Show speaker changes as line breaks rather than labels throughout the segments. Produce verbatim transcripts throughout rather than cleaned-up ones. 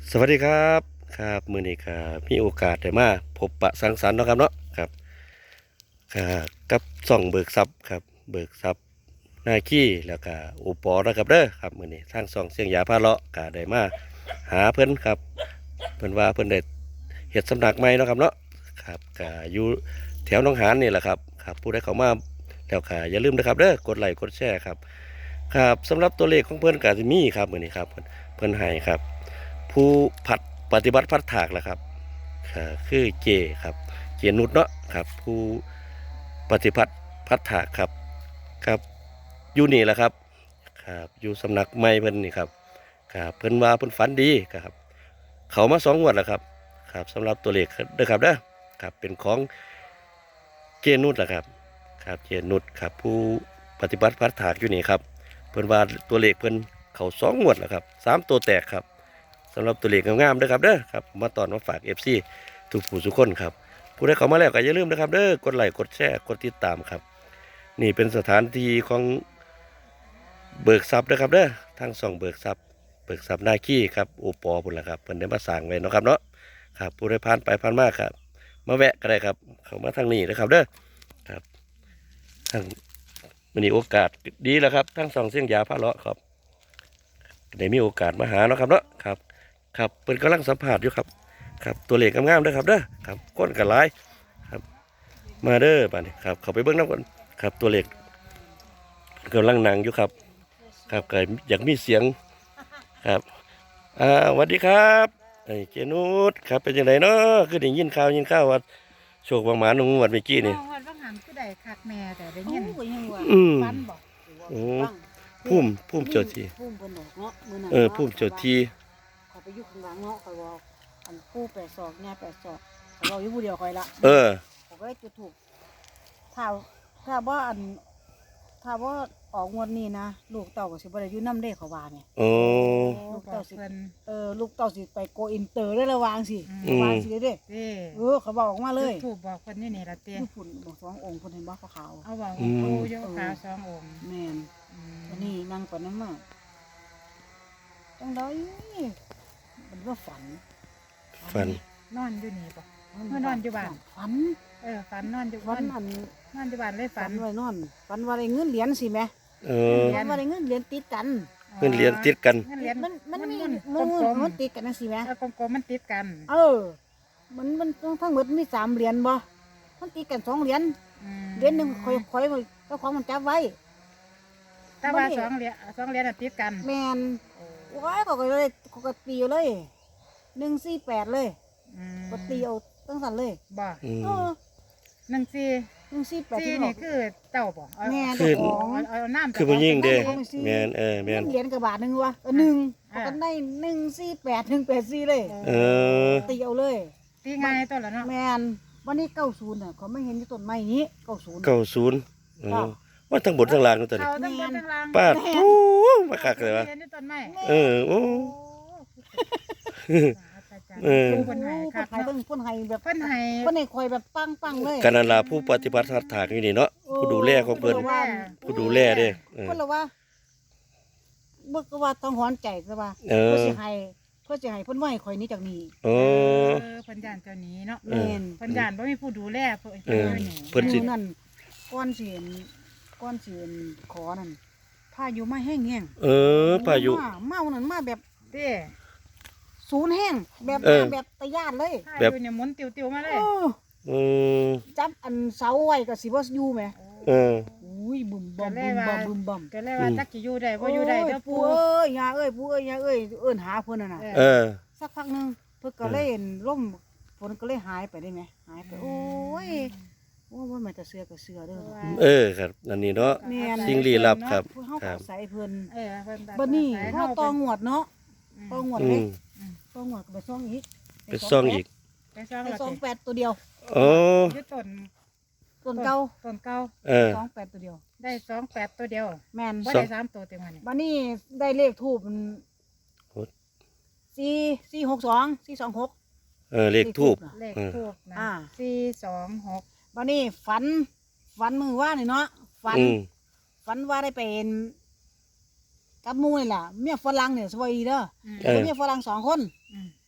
สวัสดีครับครับมื้อนี้ครับมีโอกาสได้มาพบปะสังสรรค์เนาะครับเนาะครับครับกับช่องเบิกทรัพย์ครับเบิกทรัพย์นาคีแล้วก็โอปอนะครับเด้อครับมื้อนี้ทางช่องเสียงยาพาเลาะก็ได้มาหาเพิ่นครับเพิ่นว่าเพิ่นได้เฮ็ดสำนักใหม่เนาะครับเนาะครับก็อยู่แถวหนองหานนี่แหละครับครับผู้ใดเข้ามาแล้วก็อย่าลืมนะครับเด้อกดไลค์กดแชร์ครับครับสำหรับตัวเลขของเพิ่นก็สิมีครับมื้อนี้ครับเพิ่นเพิ่นให้ครับ ผู้ผัดปฏิบัติพัดถากแหละครับอ่าคือเจครับเจนุชเนาะครับผู้ปฏิบัติพัดถากครับครับอยู่นี่แหละครับครับอยู่สำนักไม้เพิ่นนี่ครับครับเพิ่นว่าเพิ่นฝันดีครับเขามาสองงวดแล้วครับครับสำหรับตัวเลขเด้อครับเด้อครับเป็นของเจนุชแหละครับครับเจนุชครับผู้ปฏิบัติพัดถากอยู่นี่ครับเพิ่นว่าตัวเลขเพิ่นเขาสองงวดแล้วครับสามตัวแตกครับ สำหรับตัวเลขงามๆด้วยครับเด้อครับมาตอนมาฝาก เอฟ ซี ทุกผู้ทุกคนครับผู้ใดเข้ามาแล้วก็อย่าลืมนะครับเด้อกดไลค์กดแชร์กดติดตามครับนี่เป็นสถานที่ของเบิกทรัพย์นะครับเด้อทางส่องเบิกทรัพย์เบิกทรัพย์นาคีครับโอปอพุ่นละครับเพิ่นได้มาสร้างไว้เนาะครับเนาะครับผู้ใดผ่านไปผ่านมาครับมาแวะก็ได้ครับเข้ามาทางนี้นะครับเด้อครับทางมันนี้โอกาสดีแล้วครับทั้งสองเสียงยาพาเลาะครับได้มีโอกาสมาหาเนาะครับเนาะครับ ครับเปิดกำลังสัมผัสอยู่ครับครับตัวเลขงามๆเด้อครับเด้อครับก้นกันหลายครับมาเด้อป่านนี้ครับเขาไปเบิ้งน้ำก่อนครับตัวเลขกำลังนั่งอยู่ครับครับก็อยากมีเสียงครับอ่าสวัสดีครับไอ้เจนุสครับเป็นยังไงเนาะคือได้ยินข่าวยินข่าวว่าโชคบางหมาหนุ่งวัดเมื่อกี้นี่
น้องวันว่างหันคือได้คักแม่แต่ได้ยิน
โอ้ยยังว่า
อืม
ฟันบอก
โอ้พุ่มพุ่มเจ้าที่
พุ่มเพิ่นดอกเนาะมื้อนั้น
เออพุ่มเจ้าที่
เขาไปอยู่ข้างหลังเนาะเขาบอกอันผู้แปดศอกเนี่ยแปดศอกเขาบอกอยู่ผู้เดียวคอยละ
เออ
เขาก็ได้จุดถูกถ้าถ้าว่าอันถ้าว่าออกงวดนี้นะลูกเต่าก็สิบ่ได้อยู่นำเด้เขาว่าเนี่ย
โอ้
โอ้บอกเพิ่น
เออลูกเต่าสิไปโกอินเตอร์ได้ระวางสิ
อืม
ระวางสิเด้เด้
เด้
เออเขาบอกออกมาเลย
ถูกบอกเพิ่นนี่นี่ละเต้
ผู้ฝุ่นบอกสององค์เพิ่นเห็นบ่ขาว
เอาบอกว่าปูโยกขาวสององค์
ๆแม่น
อืม
อันนี้นั่งปานนั้นมาจังไดมันว่าฝัน
ฟัน
นอนอยู่นี่บอก เมื่อนอนอยู่บ้าน
ฝัน
เออฝันนอนอยู่
ฝั
บ้าน น
อัน
นอนอยู่บ้านเลย
ฝั
ฝั
น
น
ไว้นอนฝันว่าได้เงินเหรียญสิแหม่
เออ
ฝันว่าได้เงินเหรียญติดกัน
เพื่อนเรียนติดกัน
เงินเหรียญ
มันมันมี
มัน
มัน
กลมๆ
มันติดกันจังซี่แหม่
เออกลมๆมันติดกัน
เออ มันมันทั้งหมดมีสามเหรียญบ่มันติดกันสองเหรียญ
อืม
เหรียญหนึงค่อยค่อยเจ้าของมันจับไว้
แต่ว่า
บ่ได้
สองเหรียญสองเหรียญน่ะติดกัน
แม่น
โอ้
โอ้ยก็ก็เลยก็ก็ตีเอาเลยหนึ่งสี่แปดเลย
อืม
ก็ตีเอาตั้งสันเลย
บ่
อืม
เออ
หนึ่งสี่
หนึ่งสี่แปด
สี่
ที่บอ
นี่
ก
คือเจ้าบ่เอา
แม่
คือ
เจ้าของ
เอาเอาน้ำ
คือผู้หญิงเด้
ของสิ
แมนเออแมน
เหรียญกับบาทหนึ่งวะเออหนึ่งเอากันได้หนึ่งสี่แปดหนึ่งแปดสี่เลย
เออ
ตีเอาเลย
ตีง่ายตัวละเนาะ
แมนวันนี้เก้าศูนย์อ่ะเขาไม่เห็นที่ต้นไม้นี้เก้าศูนย์
เก้าศูนย์ว่าทั้งบนทั้งล่างนั่นตัวนี้
เขาทั้งบนทั้งล่าง
ป้าดโอ้มาคักเลยวะ
เรียนในต้นไม้
เออโอ้ เออ
ผู้คนไห้ครับ
ไห้เพิ่นเพิ่นไห้แบบ
เพิ่นให้
เพิ่นให้คอยแบบปังปังๆเลย
กันนันลาผู้ปฏิบัติทัดถากอยู่นี่เนาะผู้ดูแลของเพิ่นผู้ดูแลเด้เออ
เพิ่นละว่าเบิกว่าต้องหอนใจซะว่า
เอ
เพิ่น
อ
สิให้เพิ่นสิให้เพิ่นว่าให้คอยหนี้จากนี้
โอ้
เออเพิ่นย่านเจ้าหนี้เนาะ
แม่น
เพิ่นย่านบ่มีผู้ดูแลเพิ่น
เออ
พิ่นอยู่
เพิ่นสิ
มื้อนั่นก้อนสิเห็นก้อนสิเห็นขอนั่นพายุมาแห้งแห้ง
เออพายุ
มามาวันนั้นมาแบบ
เด้
ศูนย์แห้งแบบ
เออ
แบบตะย่านเลย
ถ้าอยู่เนี่ยหมุนติวๆมาเลย
เออ
อืม
จับอันเสาไว้ก็สิบ่อยู่แหม
เออ
อุ้ยบึมบ่มบึมบ่มบึมบ่ม
ก็เลยว่าจักสิอยู่ได้บ่อยู่ได้เด้อ
ปู่
ปู่
เอ้ยยาเอ้ยปู่เอ้ยยาเอ้ยเอิ้นหาเพิ่นน่ะน่ะ
เออ
สักพักหนึงเพิ่นก็เลยล่มฝนก็เลยหายไปได้ไหมหายไปโอ้ยโอ้ว่ามันจะเสือก็เสือเด้อ
เออครับอันนี้เนาะ
แม่น
สิ่งลี้ลับครับ
เพิ่นเฮา
ครั
ก็
บ
ใส่เพิ่น
เออเพิ่นตัด
บัดนี้
สย
เฮาตองวดเนาะตองวด
อื
เลย
ม
ตองวดก็ไปซ่องอีก
ไปซ่องอีก
ไปซ่อง
ไป
แล้ว
ซ่อง
สิ
แปดตัวเดียว
โอ้
อยู่ต้น
ต้นเก่า
ต้นเก่า
เออ
ซ่องแปดตัวเดียว
ได้สองแปดตัวเดียว
แม่น
บ่ได้สามตัวเต็มวันนี้
บัดนี้ได้เลขทูบสี่สี่หกสองสี่สองหก
เออเลขทูบ
เลข
เออ
ทูบนะ
อ่า
สี่สองหก
บัดนี้ฝันฝันมือว่านี่เนาะฝัน
อืม
ฝันว่าได้เป็นกับหมูนี่ล่ะเมียฝรั่งเนี่ยสวัสดีเด้อ
อืม
เออ
เมียฝรั่งสองคน
อืม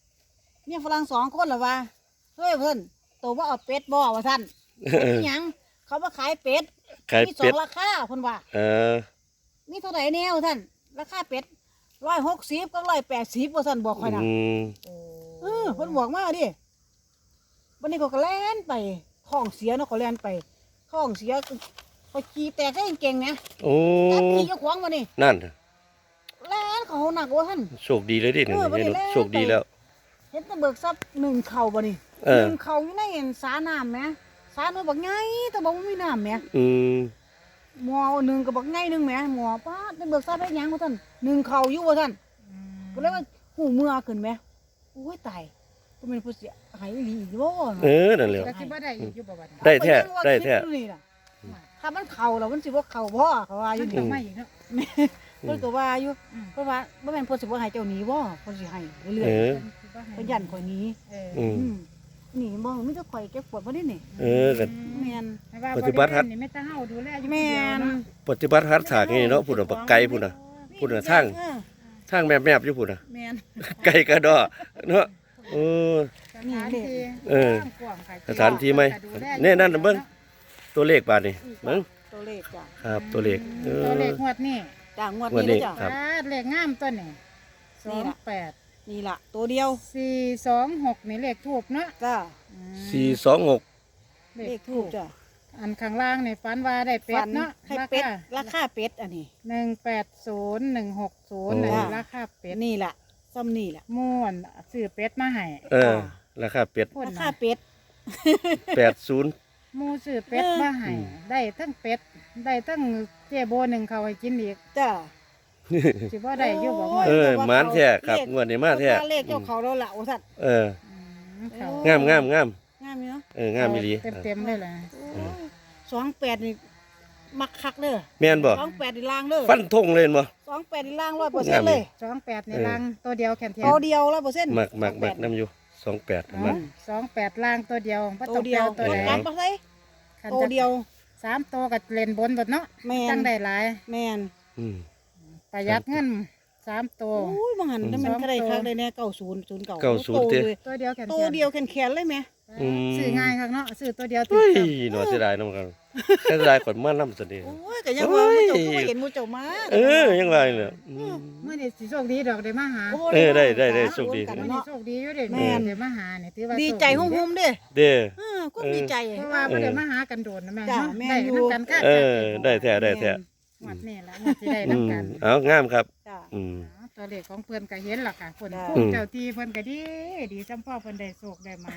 เมียฝรั่งสองคนล่ะว่าเฮ้ยเพิ่นตัวว่าเอาเป็ดบ่ว่าท่าน
เออ
หยังเขามาขายเป็ด
ขาย
มีสอ
เป็ด
งราคาเพิ่นว่า
เออ
มีเท่าไหร่แนวท่านราคาเป็ดร้อยหกสิบกับร้อยแปดสิบว่าท่านบอกค่อยนะ
อืม
โอ้
เออเพิ่นบอกมาดิวันนี้เขาก็แล่นไปท้องเสียเนาะเขาแล่นไปท้องเสียไปขี่แตกได้เก่งๆนะ
โอ้
จับขี่เจ้าของมานี่
นั่น
แล่นเขาหนักว่าท่าน
โชคดีเลยดิเนี่ย
เออบ่ได้
เห็น
แล้ว
โชคดีแล้ว
เห็นแตะเบิกทรัพย์หนึ่งเข่าบ่นี่
เออ
หนึ่งเข่าอยู่ในสาน้ำแหมสาหน่อยบักไงแต่บอกว่ามีน้ำแหม
อืม
หมอหนึ่งกับบักไงหนึ่งแหมหมอป้าดแตะเบิกทรัพย์ได้หยังว่าท่านหนึ่งเข่าอยู่ว่าท่าน
อืม
ก็เลยว่าหูเมื่อขึ้นไหมโอ้ยตายก็เป็นผู้เสียหายอีหลีอีกบ่
เออนั่นแหละ
ก็สิบ่ได้อีกอยู่บ่บัดนี้
ได้แท้
เอาปยังว่า
ได้แท้
คิอยู่นี่ล่ะถ้ามันเข่าแล้วมันสิบ่เข่าพ่อเขาว่าอ
มั
ยู่
น
นี่
ต้องมาอีกเนาะ
เพิ่นก็ว่าอยู่
อืม
เพราะว่าบ่แม่นเพิ่นสิบ่ให้เจ้าหนีบ่เพิ่นสิให้เรื่อย
เออ
ๆเพิ่นยันข่อยหนี
เออ
อืม
อืมหนีบ่มีแต่ข่อยเก็บปวดบ่ได้นี่
เออก็
แม่น
ให้ว่า
ปฏิบัติฮัด
นี่ไม่ต้องเฮาดูแลอยู่
แม่น
ปฏิบัติฮัดฉากนี่เนาะพูดน่ะบักไก่พูดน่ะ พูดน่ะทาง
เออ
ทางแมบๆอยู่พูดน่ะ
แม่น
ไก่กระดอเนาะเออ
สถานที่
เออ
กว้างค่ะ
สถานที่ไหม
ดูแล
เนี่ยนั่นน่ะเบิ่ง ตัวเลขบาดนี่เบิ่ง
ตัวเลขจ้ะ
ครับตัวเลขเอ
ตัวเล
อ
ขงวดนี่
จ้ะงวด
งวด
นี้
นี้
เด้อจ้ะ
ครับ
อ่าเลขงามตัวนี่ส
นี่
อง
ล่ะ
แปด
นี่ล่ะตัวเดียว
สี่สองหกนี่เลขทูบเนาะ
จ้ะ
อืม
สี่สองหก
เลขทูบจ้ะ
อันข้างล่างนี่ฝันว่าได้เป็ดเนาะ
ให้เป็ดราคาเป็ดอันนี้
หนึ่งแปดศูนย์หนึ่งหกศูนย์
จ้ะ
ราคาเป็ด
นี่ล่ะซ้ำนี่ล่ะ
ม่วนซื้อเป็ดมาให้
เออราคาเป็ด
พุ่น
รา
น่ะ
คาเป็ด
แปดศูนย์
หมูซื้อเป็ดมาให้
อืม
ได้ทั้งเป็ดได้ทั้งเจ๊โบหนึ่งเขาให้กินอีก
จ้ะ
สิบ่ได้อยู่บ่
โอ้
งวด
เออหมานแท้ครับงวดนี้มาแท้
เลขเจ้าเขาแล้วล่ะโอ้สัตว์
เออ
มเขา
งามงามงาม
งามอยู่เนาะ
เอองามอีหลี
เต็มเต็มๆเลยล่ะ
โอ้ยสองแปดนี่มักคักเด้อ
แม่นบ่
สองแปดนี่ล่างเด้อ
ฟันธงเลยบ่
สองแปดนี่ล่างร้อยเปอร์เซ็นต์เลย
สองแปดใน
เออ
ลังตัวเดียวแขนเทียน
ตัวเดียวร้อยเปอร์เซ็นต์
มักมักมักน้ำอยู่สองแปด
อ๋อ
มัก
สองแปดล่างตัวเดียวบ่
ตั
ต้
ว
อง
เดี
เดี
ย
ยว วตัวใด
กลับมาใส่
คัน
ตัว
จะ
เดียว
สามตัวกับเล่นบนเบดเนาะ
แม่น
จังได้หลาย
แม่น
อืม
ประหยัดเงินสามตัว
โอ้ยบางหันนั่นมัน
สอง
ก็ได้
ตัว
คักได้แน่เก้าศูนย์ศูนย์เก่า
เก้าศูนย์เด้
ตัวเดียวแขน
ตั
เที
วย เดียวแขนๆเลยไหม
อืม
ซื้อง่ายครับเนาะซื้อตัวเดียวติ
เฮ้ย
ด
หนอเสียดายน้ำกันเสียดายขวัญมาน้ำสนิท
โอ้ยก็ยังว่า
โอ้ย
เจ้าก็บ่เห็นหมูเจ้ามา
เออยังไงเนี่ยอืม
เมื่อนี้สิโชคดีดอกได้มาหา
โอ้
เออได้ได้ได้โชคดี
กัน
เมื่อนี้
เนาะ
โชคดีอยู่เด้
แม่น
ได้มาหานี่ถือว่า
ดี
โชค
ใจหุ่มๆเด้
เด้อ
เออก็
เออ
ดีใจ
เพราะว่าบ่ได้มาหากันโดนนะแม่
จ้ะ
เนาะ
แม่น
ได้
อยู่
นำกันก็
เออได้แท้ได้แท้
หมดนี่แหละมันสิได้
อื
นำ
ม
กัน
เอางามครับ
จ้ะ
อืม
อ๋อตัวเลขของเพิ่นก็เห็นล่ะค่ะเพิ่น
จ้ะ
ภูมิเจ้าที่เพิ่นก็ดีดีจำพ่อเพิ่นได้โชคได้หมาน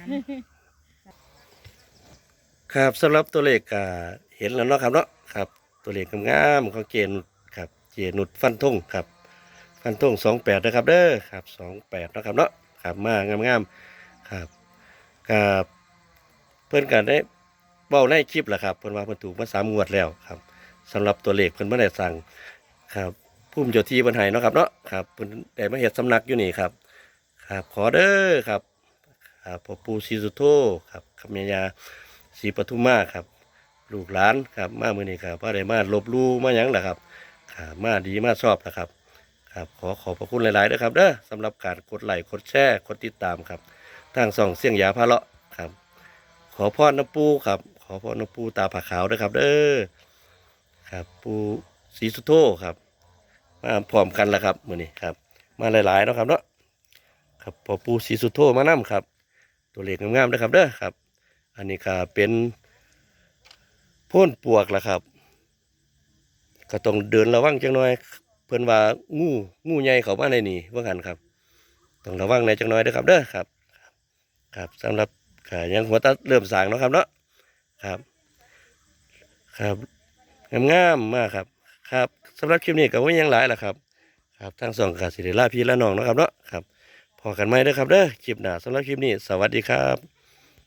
ครับสำหรับตัวเลขก็เห็นแล้วเนาะครับเนาะครับ ตัวเลขงามๆของเจนุชครับเจนุชฟันธงครับ ฟันธงสองแปดนะครับเด้อครับสองแปดนาะครับเนาะครับมางามๆครับกับเพิ่นกันได้เบ้าในคลิปแหละครับเพิ่นว่าเพิ่นถูกมาสามงวดแล้วครับสำหรับตัวเลขเพิ่นบ่ได้สั่งครับภูมิเจ้าที่เพิ่นให้เนาะครับเนาะครับเพิ่นได้มาเฮ็ดสำนักอยู่นี่ครับครับขอเด้อครับครับพ่อปู่ศรีสุโธครับคำยายาศรีปทุมมาครับลูกหลานครับมามื้อนี้ครับบ่ได้มาลบหลู่มาหยังล่ะครับครับมาดีมาชอบนะครับครับขอขอบพระคุณหลายๆด้วยครับเด้อสำหรับการกดไลค์กดแชร์กดติดตามครับทางช่องเสียงยาพาเลาะครับขอพรน้ำปูครับขอพรน้ำปูตาผาขาวด้วยครับเด้อครับปูศรีสุโธครับมาพร้อมกันแล้วครับมื้อนี้ครับมาหลายๆเนาะครับเนาะครับพอปูศรีสุโธมานํครับตัวเลขงามๆนะครับเด้อครับอันนี้ก็เป็นโพ่นปวกล่ะครับก็ต้องเดินระวังจังหน่อยเพิ่นว่างูงูใหญ่เข้ามาในนี่ว่ากันครับต้องระวังในจังหน่อยเด้อครับเด้อครับครับสำหรับขายังหัวตาเริ่มสร้างเนาะครับเนาะครับครับงามๆมากครับครับสำหรับคลิปนี้ก็ว่ายังหลายล่ะครับครับทั้งสองกาสิเดลาพี่และน้องเนาะครับเนาะครับพอกันไหมเด้อครับเด้อคลิปหน้าสำหรับคลิปนี้สวัสดีครับ